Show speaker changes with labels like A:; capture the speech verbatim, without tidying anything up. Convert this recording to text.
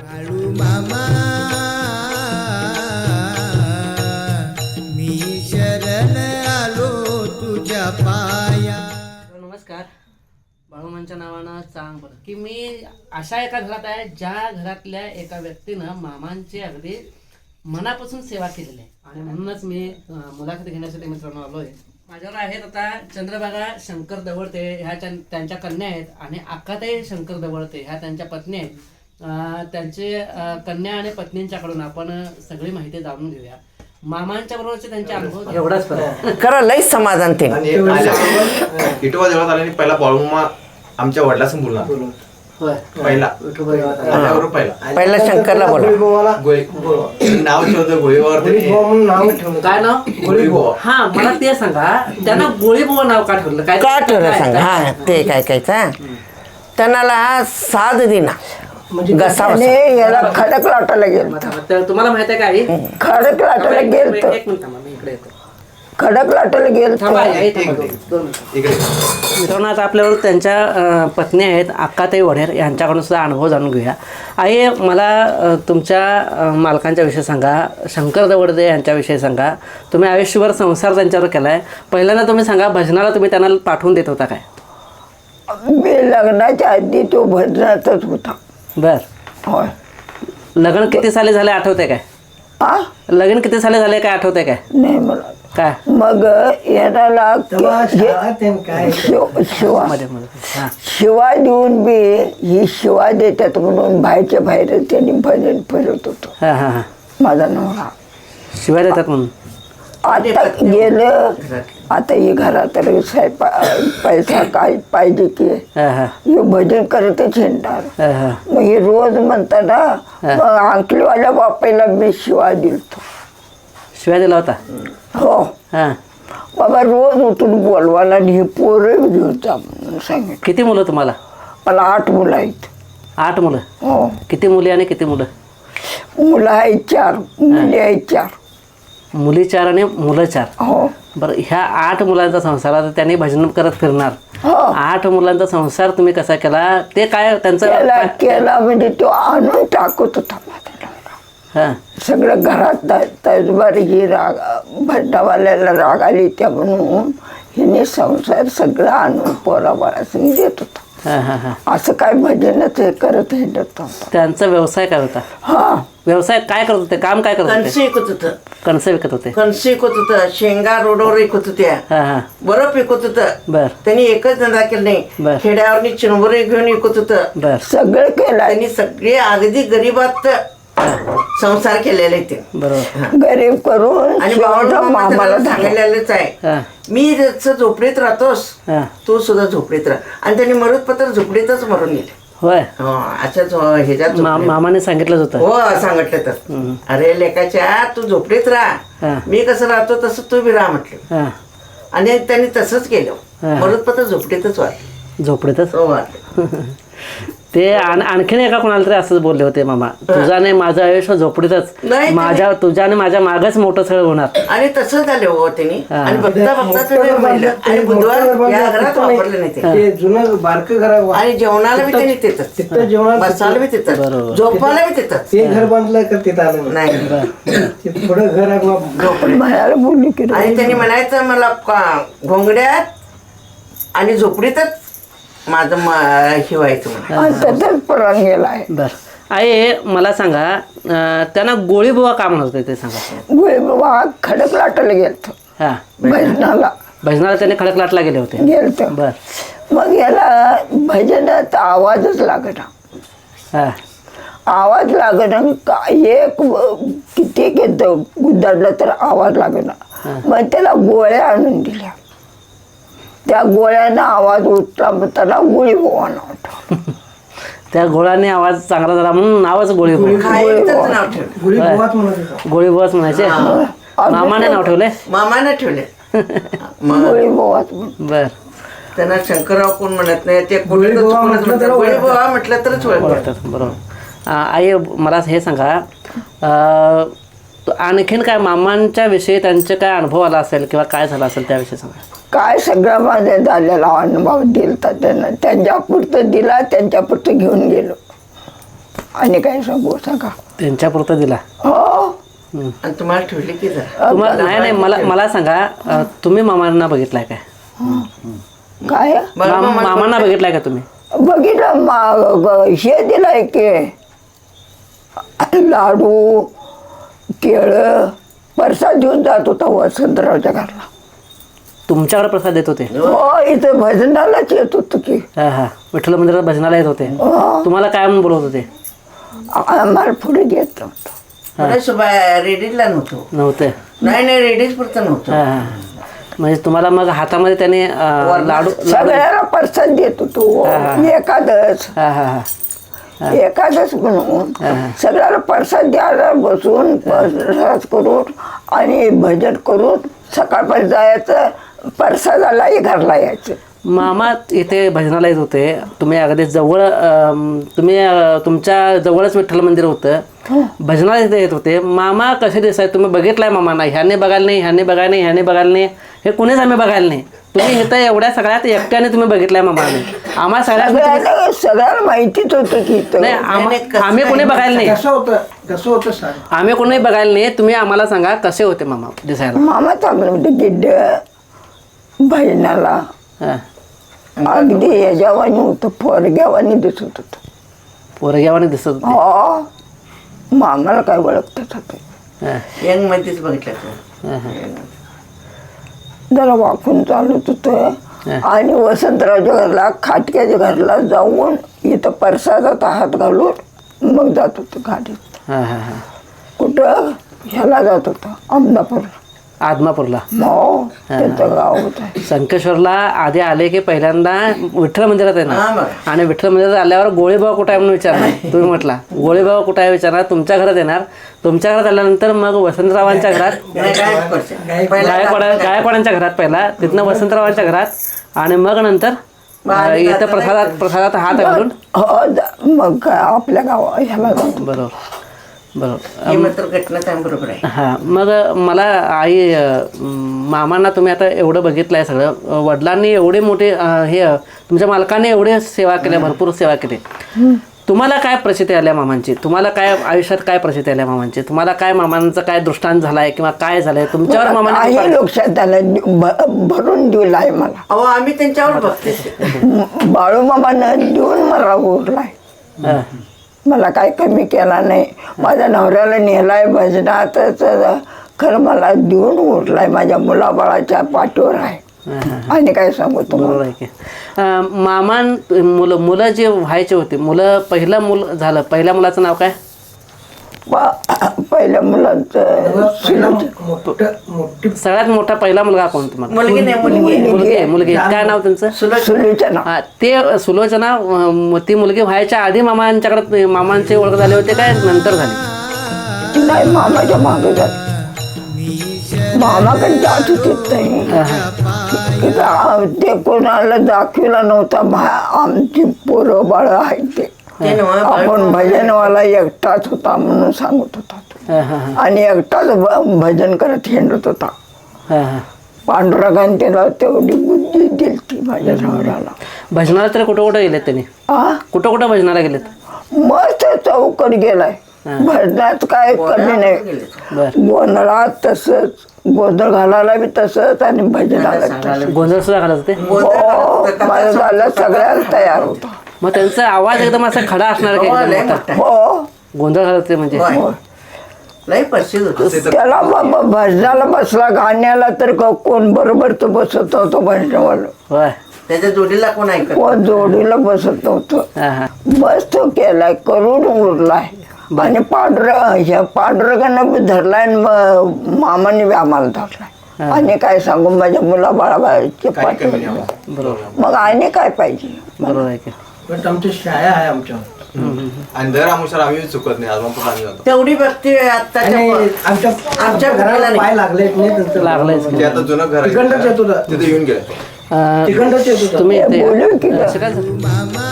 A: काळू मामा मी शरण आलो तुझ्या पाया.
B: नमस्कार. बाळूमांच्या नावानं सांग बरं की मी अशा एका घरात आहे ज्या घरातल्या एका व्यक्तीनं मामांची अगदी मनापासून सेवा केलेली आहे आणि म्हणूनच मी मुलाखत घेण्यासाठी मित्रांनो आलो आहे. माझ्यावर आहेत आता चंद्रभागा शंकर दवळते ह्या त्यांच्या कन्या आहेत आणि अक्काताई शंकर दवळते ह्या त्यांच्या पत्नी आहेत. त्यांचे कन्या आणि पत्नींच्याकडून आपण सगळी माहिती जाणून घेऊया. मामांच्या बरोबरचे त्यांचे अनुभव एवढाच
C: खरं लईच समाधान ते
D: इटोबा देवळात आल्याने पहिला बाळूमा आमच्या वडिलांसमोर बोलणार. पहिला
C: पहिला शंकरला बोला.
D: नाव ठेवतं गोळीबावर
B: काय नाव
D: गोळीबावा.
B: हा मला ते सांगा त्यांना गोळीबावा नाव का ठेवलं काय
C: का ठेवलं सांगा. हा ते काय कायचा त्यांना साथ दिना घसा याला खडक लाटायला गेलो.
B: तुम्हाला माहित आहे का आई
C: खडक लाटायला गेलो
B: एक मिनिट थांबा मी इकडे येतो.
C: खडक लाटायला गेलो.
B: मित्रांनो आता आपल्यावर त्यांच्या पत्नी आहेत अक्काताई वढेर यांच्याकडून सुद्धा अनुभव जाणून घेऊया. आई मला तुमच्या मालकांच्या विषयी सांगा, शंकर दवडदे यांच्याविषयी सांगा. तुम्ही आयुष्यभर संसार त्यांच्यावर केला आहे. पहिल्यांदा तुम्ही सांगा भजनाला तुम्ही त्यांना पाठवून देत होता काय?
C: मी लग्नाच्या आधी तो भजनातच होता.
B: बर
C: होय.
B: लग्न किती साली झाले आठवते काय?
C: आ
B: लग्न किती साली झाले काय आठवते काय?
C: नाही मला
B: काय
C: मग येणारा शिवा शिवा देऊन बी ही शिवा देतात म्हणून बाहेरच्या बाहेर त्यांनी भजन फिरत होतो.
B: हां हां हां
C: माझा नवरा
B: शिवाय देतात म्हणून
C: आता गेलं. आता ही घरात साहेब पैसा काय पाहिजे की
B: हां हां
C: हे भजन करतच येणार.
B: हां हां
C: मग हे रोज म्हणतात ना मग अंकलीवाल्या बापायला मी शिवा दिलतो.
B: शिवाय दिला होता.
C: हो
B: हां
C: बाबा रोज उठून बोलवायला आणि हे पोरं घेऊन जा म्हणून सांगितलं.
B: किती मुलं तुम्हाला?
C: मला आठ मुलं आहेत.
B: आठ मुलं.
C: हो
B: किती मुली आणि किती मुलं?
C: मुलं आहेत चार, मुली आहेत चार.
B: मुली चार आणि मुलं चार.
C: हो
B: बरं ह्या आठ मुलांचा संसार आता त्यांनी भजन करत फिरणार.
C: हो
B: आठ मुलांचा संसार तुम्ही कसा केला ते काय त्यांचं
C: केला केला म्हणजे तो आणून टाकत होता माझा नवरा.
B: हां
C: सगळं घरात तजबार ही राग भड्डावाल्याला राग आली त्या म्हणून हिने संसार सगळं आणून पोराबाळासंग देत होता.
B: हां हां हां
C: असं काय भजनच हे करत हिंडत नव्हता.
B: त्यांचा व्यवसाय काय होता?
C: हा
B: व्यवसाय काय करत होते? काम काय करत
E: कणस
B: होते?
E: विकत होतं.
B: कणसं विकत होते.
E: कणस विकत होतं. शेंगा रोडवर विकत होत्या.
B: हां हां
E: बरं विकत होतं.
B: बर
E: त्यांनी एकच धंदा केला नाही.
B: बर.
E: खेड्यावरनी चिनबरे घेऊन विकत होतं.
B: बर
C: सगळं केलं.
E: त्यांनी सगळे अगदी गरीबात संसार केलेले ते
B: बरोबर.
C: गरीब करून
E: आणि
C: शेवटचा मामाला सांगितलं
E: सांगितलेलंच आहे
B: हां
E: मी जसं झोपडीत राहतोस
B: हां
E: तू सुद्धा झोपडीत राह. आणि त्यांनी मरुत पत्र झोपडीतच मरून गेले.
B: होय.
E: हो अशाच ह्याच्यात
B: मा
E: झोपडीत.
B: मामाने सांगितलंच होतं.
E: हो सांगितलं तर अरे लेकाच्या तू झोपडीत राहा.
B: हां
E: मी कसं राहतो तसं तू बी राहा म्हटलं.
B: हां
E: आणि त्यांनी तसंच केलं.
B: हां.
E: मरुत पत्र झोपडीतच वाटलं.
B: झोपडीतच.
E: हो वाटलं.
B: ते आण आणखीन एका कोणाला तरी असंच बोलले होते मामा तुझा नाही माझं आयुष्य झोपडीतच
E: नाही,
B: माझ्या तुझ्या आणि माझ्या मागच मोठं सगळं होणार.
E: आणि तसंच झालं हो त्यांनी.
B: हां.
E: आणि बघता बघता ते राहिलं. आणि बुधवार या घरात वापरले नाही ते.
F: ते जुनं बारकं घर आहे.
E: आणि जेवणाला बी त्यांनी तिथंच.
F: तिथं जेवणाला
E: बसायला बी तिथंच.
B: बरोबर.
E: झोपायला बी तिथंच.
F: ते घर बांधलं का तिथं आलं नाही.
E: नाही
F: ते पुढं घर आहे बा.
C: म्हणायला बोलली की
E: आणि त्यांनी म्हणायचं मला का- घोंगड्यात आणि झोपडीतच माझं हे व्हायचं म्हणून.
C: सतत परान गेलाय.
B: बर आई मला सांगा अं, त्यांना गोळीबुवा का म्हणत होते ते सांगा.
C: गुळे बाबा खडक लाटायला गेलतो
B: हां
C: भजनाला
B: भजनाला त्यांनी खडकलाटला गेले होते.
C: गेलतो.
B: बर
C: मग याला भजनात आवाजच लागना.
B: हां
C: आवाज लागणं का एक किती घेतं गुद्दाडलं तर आवाज लागना. मग त्याला गोळ्या आणून दिल्या. त्या गोळ्यानं आवाज उठला मग त्याला गोळी बोवा नाव.
B: त्या गोळ्याने आवाज चांगला झाला म्हणून नावच गोळीबुवा.
E: खायचं नाव ठेवलं.
F: गुढी बुवाच म्हणत होता.
B: गोळीबुवाच म्हणायचे. मामाने नाव ठेवले.
E: मामाने ठेवले. मग
C: गोळी बोवाच
B: बर
E: त्यांना शंकरराव कोण म्हणत नाही ते गोळी
F: बुवा म्हटलं तर
E: बुवा म्हटलं तरच ओळखतात.
B: ओळखतात. बरोबर. अं, आई मला हे सांगा अं, आणखीन काय मामांच्या विषयी त्यांचे काय अनुभव आला असेल किंवा काय झालं असेल त्याविषयी सांगा.
C: काय सगळं माझ्या झालेला अनुभव दिलता त्यानं. त्यांच्यापुरतं दिला त्यांच्यापुरतं घेऊन गेलो. आणि काय सांगू सांगा.
B: त्यांच्यापुरतं दिला.
C: हो
E: आणि तुम्हाला ठेवले की जरा
B: तुम्हाला नाही नाही मला मला सांगा अ, तुम्ही मामांना बघितलाय काय?
C: काय
B: माम- मामांना बघितलाय का तुम्ही?
C: बघितलं मा- ग- हे दिलाय की लाडू केळं प्रसाद घेऊन जात होता वसंतरावच्या घरला.
B: तुमच्याकडे प्रसाद देत होते?
C: हो इथं भजनालाच येत होतं की.
B: हा हा विठ्ठल मंदिरात भजनाला येत होते.
C: हो.
B: तुम्हाला काय म्हणून बोलवत होते?
C: आम्हाला पुढे घेत नव्हतं.
E: पुढे सुबा रेडीला नव्हतो.
B: नव्हते.
E: नाही नाही रेडीच पुरतं नव्हतं.
B: हा हा म्हणजे तुम्हाला मग हातामध्ये त्याने अ, लाडू लाडू
C: सगळ्याला प्रसाद देत होतो. एकादश
B: हा हा हा
C: एकादश बनवून सगळ्याला प्रसाद द्यायला बसून प्रसाद करून आणि भजन करून सकाळपर्यंत जायचं. प्रसादालाही घरला यायचं.
B: मामा इथे भजनाला येत होते. तुम्ही अगदी जवळ अम, तुम्ही अ, तुमच्या जवळच विठ्ठल मंदिर होतं. भजनाला इथे येत होते. मामा कसे दिसाय तुम्ही बघितलाय मामांना? ह्याने बघायला नाही, ह्याने बघायला नाही, ह्याने बघायला नाही, हे कुणीच आम्ही बघायला नाही. तुम्ही इथं एवढ्या सगळ्यात एकट्याने तुम्ही बघितलाय मामाने. आम्हाला सगळ्यात
C: सगळ्याला सगळ्याला माहितीच होतं की इथं.
B: नाही आम- आम्ही कोणी बघायला नाही.
F: कसं होतं कसं होतं सांग.
B: आम्ही कोणी बघायला नाही. तुम्ही आम्हाला सांगा कसे होते मामा दिसायला?
C: मामा चांगलं होते गिड्ड भजनाला
B: हा
C: अगदी यजावानी होतं. पोरग्यावानी दिसत होतं.
B: पोरग्यावाने दिसत होते.
C: हो मामाला काय ओळखतात होते.
B: हा,
E: यंग मध्येच बघितलं तो.
B: हा, हा.
C: जरा वाकून चालत होतं आणि वसंतरावच्या घरला खाटक्याच्या घरला जाऊन इथं प्रसादात हात घालून मग जात होतं गाडीत.
B: हा हा हा
C: कुठं ह्याला जात होतं अहमदापूरला.
B: आदमापूरला.
C: हो त्याचं गाव होतं.
B: संकेश्वरला आधी आले की पहिल्यांदा विठ्ठल मंदिरात आहे
E: हा,
B: ना.
E: बरं.
B: आणि विठ्ठल मंदिरात आल्यावर गोळीबाव कुठं आहे म्हणून विचारणार. तुम्ही म्हटला गोळीबाव कुठं आहे विचारणार. तुमच्या घरात येणार. तुमच्या घरात आल्यानंतर मग वसंतरावांच्या घरात,
E: नाही, काय करते? पहिला
B: गायकवाड गायकवाडांच्या घरात पहिला, तिथनं वसंतरावांच्या घरात आणि मग नंतर अं, इथं प्रसादात प्रसादात हात घालून.
C: हो जा- मग काय आपल्या गावा ह्याला जातो.
B: बरोबर बरोबर.
E: हे मात्र घटना काय बरोबर आहे.
B: हां मग मला आई अं, मामांना तुम्ही आता एवढं बघितलं आहे सगळं. अं, वडिलांनी एवढे मोठे अं, हे अं, तुमच्या मालकाने एवढे सेवा केल्या, भरपूर सेवा केली. तुम्हाला काय प्रचिती आल्या मामांची? तुम्हाला काय आयुष्यात काय प्रचिती आल्या मामांची? तुम्हाला काय मामांचं काय दृष्टांत झालाय किंवा काय झालंय तुमच्यावर मामांनी?
C: काही लक्षात त्याला भ- भरून दिला आहे मला.
E: अहो आम्ही त्यांच्यावर बघते.
C: बाळूमामानं देऊन मला उरलाय.
B: हां.
C: मला काय कमी केला नाही. माझ्या नवऱ्याला नेलाय भजनातच खरं मला देऊन उरलाय. माझ्या मुलाबाळाच्या पाठीवर आहे. आणि काय सांगू तुम्हाला.
B: बरोबर आहे की. अं, मामान मुलं मुलं जे व्हायचे होते, मुलं पहिलं मुल झालं, पहिल्या मुलाचं नाव काय?
C: प- पहिल्या मुलांचं
F: पहिला मोठं मोठी
B: सगळ्यात मोठा पहिला मुलगा कोण तुम्हाला?
E: मुलगी नाही मुलगी
B: मुलगी आहे, मुलगी आहे. काय नाव त्यांचं?
C: सुलोचना.
B: हा ते सुलोचना. अं, ती मुलगी व्हायच्या आधी मामांच्याकडे मामांची ओळख झाली होते काय नंतर झाली?
C: ती नाही मामाच्या मागे जात. मामाकडे जात होती नाही. ते कोणाला दाखविला नव्हता. भा- आमची पोरं बाळ आहेत ते.
E: ते नव्ह,
C: आपण भजनवाला एकटाच होता म्हणून सांगत होता तो.
B: हां हां हां
C: आणि एकटाच भ- भजन करत हिंडत होता.
B: हां हां.
C: पांडुरंगाने त्याला तेवढी बुद्धी दिली ती माझ्या नवऱ्याला.
B: भजनाला तर कुठं कुठं गेलेत त्यांनी?
C: हा
B: कुठं कुठं भजनाला गेलेत?
C: मस्त चौकट गेलाय. भजनात काय कमी नाही.
B: बरं.
C: गोंधळात तसंच, गोंधळ घालायला बी तसंच आणि भजनाला बी तसंच.
B: गोंधळ सुद्धा घालत होते?
C: हो माझं झालं सगळ्याला तयार होता.
B: मग त्यांचा आवाज एकदम असा खडा असणार का
E: हो, लय
B: एकदम मोठा?
E: मोठा.
C: हो
B: गोंधळ घालत होते म्हणजे?
E: होय. लय प्रसिद्ध होतं.
C: त्याला ब- ब- भजनाला बसला, गाण्याला तर क- कोण बरोबरच बसत नव्हतं भजनावाला.
B: होय.
E: त्याच्या जोडीला कोण ऐकत
C: कोण जोडीला बसत नव्हतं.
B: हां हां.
C: बस तो केलाय, करून उरलाय. आणि पांढर ह्या पांढरगानं बी धरलाय आणि म- मामाने बी आम्हाला धरलाय. आणि काय सांगू माझ्या मुला बाळाबाळाचे
D: काही
C: पाठी.
D: कमी नाही आम्हाला.
B: बरोबर
C: मग आणि काय पाहिजे.
B: बरोबर आहे की.
F: पण आमची शाळा आहे आमच्या.
D: आणि दर आमुषाला आम्ही चुकत नाही. आजमापूर आम्ही जातो.
E: तेवढी भक्ती आत्ताच्या
F: आणि
E: प-
F: आमच्या
E: आमच्या
F: घराला
E: घराला
F: पाय लागले नाही त्यांचं.
B: लागलंयच.
D: ते आता जुनं घर आहे
F: तिकडंच येत होतं.
D: तिथे येऊन गेलं.
B: अं,
F: तिकडंच येत होतं.
B: तुम्ही इथे
C: बोलू की
B: शिकायचं?
A: मामा